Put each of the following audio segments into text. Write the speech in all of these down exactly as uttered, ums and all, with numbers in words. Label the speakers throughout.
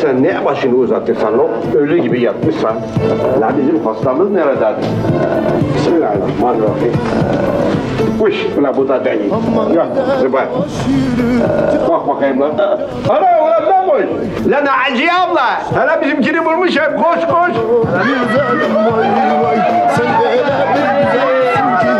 Speaker 1: sen ne başını uzatırsan o ölü gibi yatmışsan. La bizim hastamız nerede? Bismillahirrahmanirrahim. Uş, ula bu da değil. Yok, zıbar. Bak bakayım lan. Ana ulan ne koş? Lan Naciye abla. Hele bizimkini bulmuş hep. Koş koş.
Speaker 2: Güzelim vay vay, sen de öyle bir güzelsin ki.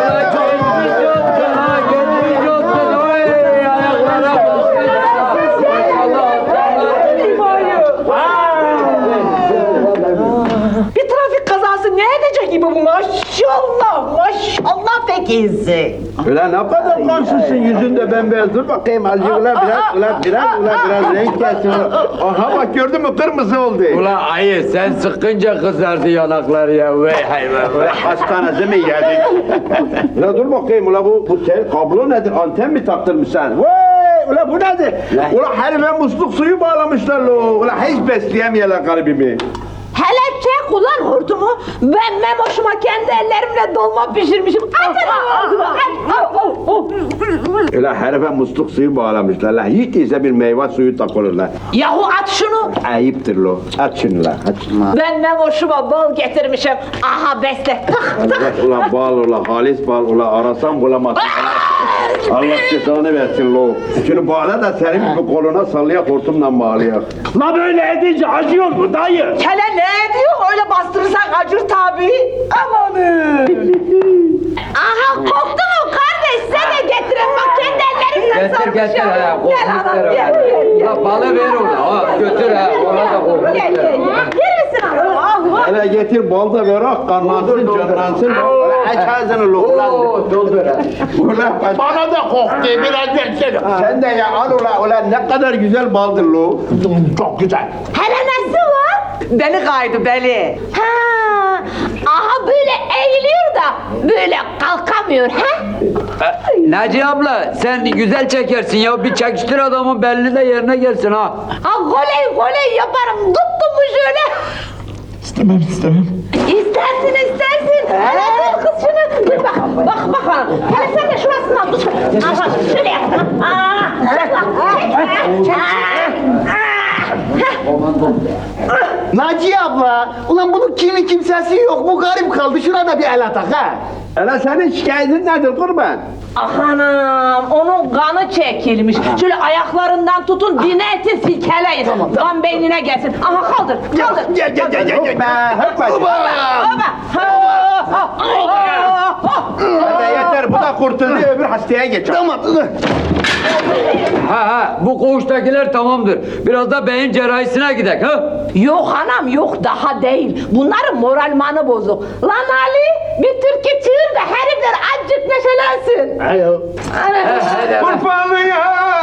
Speaker 3: Bir trafik kazası ne edecek gibi bu maşallah maşallah pek iyisin.
Speaker 1: Ulan ne kadar kansızsın yüzünde bembeyaz. Dur bakayım azıcık ulan biraz ulan biraz ulan biraz renk gelsin. Aha bak gördün mü kırmızı oldu.
Speaker 4: Ulan ayı sen sıkınca kızardı yanakları ya. Vey hayvan vey.
Speaker 1: Hastanede mi geldik? Ulan dur bakayım ulan bu, bu tel kablo nedir? Anten mi taktırmışsın? Vay ulan bu nedir? Ulan herife musluk suyu bağlamışlar lo. Ulan hiç besleyemiyorlar garibimi.
Speaker 3: Hele çek ulan hortumu. Ben Memoş'uma kendi ellerimle dolma pişirmişim. Atın ağzıma.
Speaker 1: Ulan herife musluk suyu bağlamışlar. La hiç değilse bir meyve suyu takılırlar.
Speaker 3: Yahu at şunu.
Speaker 1: Ayıptır lo. Aç şunu la. Aç.
Speaker 3: Ben Memoş'uma bal getirmişim. Aha besle. Tak tak.
Speaker 1: Evet, ulan bal ulan halis bal ulan arasam bulamazsın. Allah cezanı versin lo. Şunu bağla da senin gibi koluna sallayak hortumla bağlayak.
Speaker 5: La böyle edince acıyor mu dayı?
Speaker 3: Hele ne ediyor? Öyle bastırırsan acır tabii. Amanın. Aha koktu mu kardeş? Sen de getirin bak kendi ellerimle
Speaker 4: Getir getir
Speaker 3: sarmışım.
Speaker 4: ha.
Speaker 3: Gel anam
Speaker 4: Kokmuşlar
Speaker 3: gel gel gel.
Speaker 4: La balı ver ona. Ha, götür ha. Ona da
Speaker 3: Gel
Speaker 4: kokmuşlar.
Speaker 3: gel gel. Verirsin anam. Ah, ah.
Speaker 1: Hele getir bal da ver ah kanlansın canlansın. Ulan aç ağzını lo ulan.
Speaker 4: Oo doldur ha.
Speaker 1: Ulan bak.
Speaker 5: Bana da koktu biraz versene.
Speaker 1: Sen de ya al ulan ulan ne kadar güzel baldır lo.
Speaker 5: Çok güzel.
Speaker 3: Hele nasıl var? Beni kaydı beli. Ha, aha böyle eğiliyor da böyle kalkamıyor ha?
Speaker 4: Naciye abla sen güzel çekersin ya. Bir çekiştir adamın belli de yerine gelsin ha.
Speaker 3: Ha goley goley yaparım tuttum mu şöyle.
Speaker 5: İstemem istemem.
Speaker 3: İstersin istersin. Hele tut kız şunu. Dur bak bak bak hanım. Hele sen de şurasından tut. Aha şöyle yap. Aa, çek bak. Çek. Aa, aa.
Speaker 2: Naciye abla, ulan bunun kimi kimsesi yok, bu garip kaldı, şuna da bir el atak ha.
Speaker 1: Hele senin şikayetin nedir kurban?
Speaker 3: Ah anam, onun kanı çekilmiş. Şöyle ayaklarından tutun, dineti silkeleyin. Kan beynine gelsin. Aha kaldır, kaldır.
Speaker 1: Gel gel gel gel. Hoppa hoppa.
Speaker 3: Oba! Ha!
Speaker 1: Hadi yeter bu da kurtuldu öbür hastaya geç.
Speaker 2: Tamam.
Speaker 4: Ha ha bu koğuştakiler tamamdır. Biraz da beyin cerrahisine gidek ha.
Speaker 3: Yok anam yok daha değil. Bunların moralmanı bozuk. Lan Ali bir türkü çığır da herifler azıcık neşelensin.
Speaker 2: Ayo.
Speaker 3: Ana.
Speaker 1: Kurbanlıyım.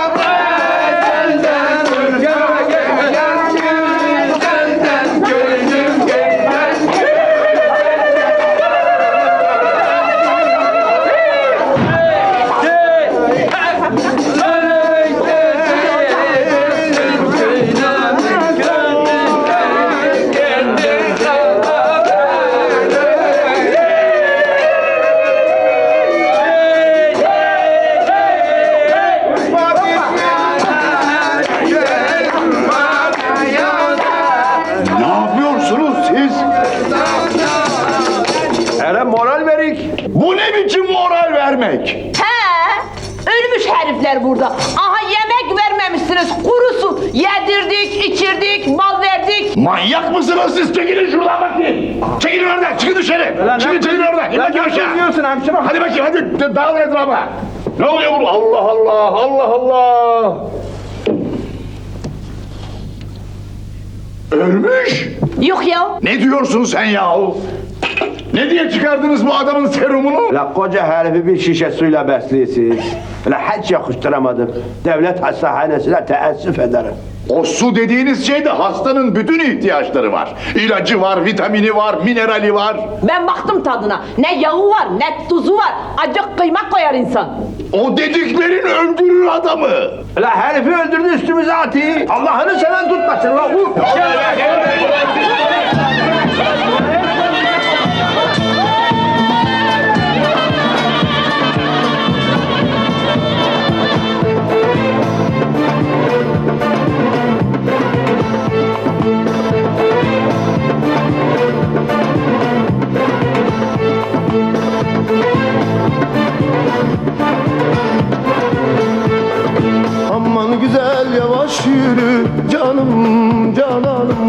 Speaker 5: Ne yapıyorsunuz siz?
Speaker 1: Hele moral verik.
Speaker 5: Bu ne biçim moral vermek?
Speaker 3: He, ölmüş herifler burada. Aha yemek vermemişsiniz kurusu. Yedirdik, içirdik, bal verdik.
Speaker 5: Manyak mısınız siz? Çekilin şuradan bakayım. Çekilin oradan, çıkın dışarı. Çıkın çekilin oradan. İn bakayım aşağı.
Speaker 1: Diyorsun hemşire.
Speaker 5: Hadi bakayım hadi dağılın etrafa. Ne oluyor burada? Allah Allah, Allah Allah. Ölmüş.
Speaker 3: Yok ya.
Speaker 5: Ne diyorsun sen yahu? Ne diye çıkardınız bu adamın serumunu?
Speaker 1: La koca herifi bir şişe suyla besliyorsunuz. La hiç yakıştıramadım. Devlet hastanesine teessüf ederim.
Speaker 5: O su dediğiniz şeyde hastanın bütün ihtiyaçları var. İlacı var, vitamini var, minerali var.
Speaker 3: Ben baktım tadına. Ne yağı var, ne tuzu var. Acık kıymak koyar insan.
Speaker 5: O dediklerin öldürür adamı.
Speaker 1: La herifi öldürdü üstümüze atı. Allah'ını seven tutmasın la. Vur.
Speaker 4: Gel